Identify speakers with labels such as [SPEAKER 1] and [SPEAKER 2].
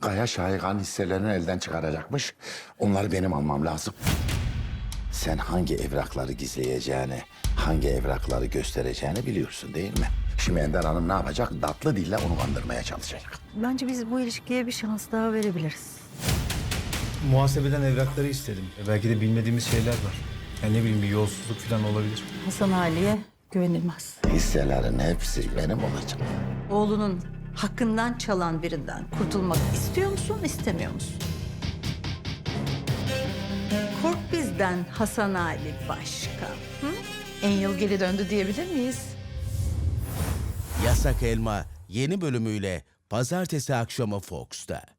[SPEAKER 1] Kaya Şahikan hisselerini elden çıkaracakmış. Onları benim almam lazım. Sen hangi evrakları gizleyeceğini, hangi evrakları göstereceğini biliyorsun değil mi? Şimdi Ender Hanım ne yapacak? Tatlı dille onu kandırmaya çalışacak.
[SPEAKER 2] Bence biz bu ilişkiye bir şans daha verebiliriz.
[SPEAKER 3] Muhasebeden evrakları istedim. Belki de bilmediğimiz şeyler var. Yani ne bileyim bir yolsuzluk falan olabilir.
[SPEAKER 2] Hasan Ali'ye güvenilmez.
[SPEAKER 1] Hisselerin hepsi benim olacak.
[SPEAKER 2] Oğlunun hakkından çalan birinden kurtulmak istiyor musun, istemiyor musun? Kork bizden Hasan Ali Başkan. Hı? En yıl geri döndü diyebilir miyiz?
[SPEAKER 4] Yasak Elma yeni bölümüyle pazartesi akşamı Fox'ta.